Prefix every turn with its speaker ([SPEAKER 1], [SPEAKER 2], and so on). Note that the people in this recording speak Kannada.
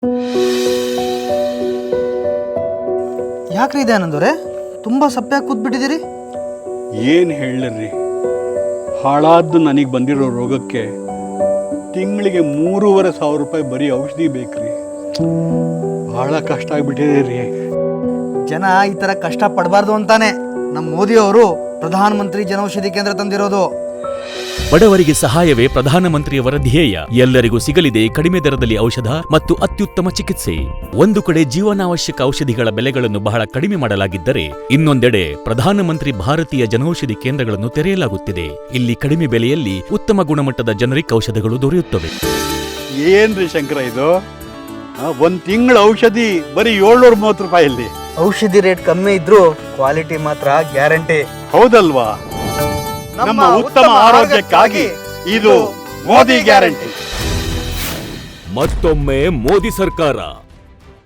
[SPEAKER 1] ಯಾಕ್ರಿ ಇದೆ ಆನಂದವ್ರೆ, ತುಂಬ ಸಪ್ಪೆ ಕೂತ್ಬಿಟ್ಟಿದ್ದೀರಿ?
[SPEAKER 2] ಏನು ಹೇಳರಿ, ಹಾಳಾದ್ದು ನನಗೆ ಬಂದಿರೋ ರೋಗಕ್ಕೆ ತಿಂಗಳಿಗೆ 3,500 ರೂಪಾಯಿ ಬರೀ ಔಷಧಿ ಬೇಕ್ರಿ. ಭಾಳ ಕಷ್ಟ ಆಗಿಬಿಟ್ಟಿದೆ ರೀ.
[SPEAKER 1] ಜನ ಈ ಥರ ಕಷ್ಟ ಪಡಬಾರ್ದು ಅಂತಾನೆ ನಮ್ಮ ಮೋದಿಯವರು ಪ್ರಧಾನಮಂತ್ರಿ ಜನೌಷಧಿ ಕೇಂದ್ರ ತಂದಿರೋದು.
[SPEAKER 3] ಬಡವರಿಗೆ ಸಹಾಯವೇ ಪ್ರಧಾನಮಂತ್ರಿಯವರ ಧ್ಯೇಯ. ಎಲ್ಲರಿಗೂ ಸಿಗಲಿದೆ ಕಡಿಮೆ ದರದಲ್ಲಿ ಔಷಧ ಮತ್ತು ಅತ್ಯುತ್ತಮ ಚಿಕಿತ್ಸೆ. ಒಂದು ಕಡೆ ಜೀವನಾವಶ್ಯಕ ಔಷಧಿಗಳ ಬೆಲೆಗಳನ್ನು ಬಹಳ ಕಡಿಮೆ ಮಾಡಲಾಗಿದ್ದರೆ, ಇನ್ನೊಂದೆಡೆ ಪ್ರಧಾನಮಂತ್ರಿ ಭಾರತೀಯ ಜನೌಷಧಿ ಕೇಂದ್ರಗಳನ್ನು ತೆರೆಯಲಾಗುತ್ತಿದೆ. ಇಲ್ಲಿ ಕಡಿಮೆ ಬೆಲೆಯಲ್ಲಿ ಉತ್ತಮ ಗುಣಮಟ್ಟದ ಜನರಿಕ್ ಔಷಧಗಳು ದೊರೆಯುತ್ತವೆ.
[SPEAKER 2] ಏನ್ರಿ ಶಂಕರ ಇದು? ಒಂದು ತಿಂಗಳ ಔಷಧಿ ಬರೀ 730 ರೂಪಾಯಲ್ಲಿ.
[SPEAKER 1] ಔಷಧಿ ರೇಟ್ ಕಮ್ಮಿ ಇದ್ರೂ ಕ್ವಾಲಿಟಿ ಮಾತ್ರ ಗ್ಯಾರಂಟಿ.
[SPEAKER 2] ಹೌದಲ್ವಾ? ನಮ್ಮ ಉತ್ತಮ ಆರೋಗ್ಯಕ್ಕಾಗಿ ಇದು ಮೋದಿ ಗ್ಯಾರಂಟಿ.
[SPEAKER 3] ಮತ್ತೊಮ್ಮೆ ಮೋದಿ ಸರ್ಕಾರ.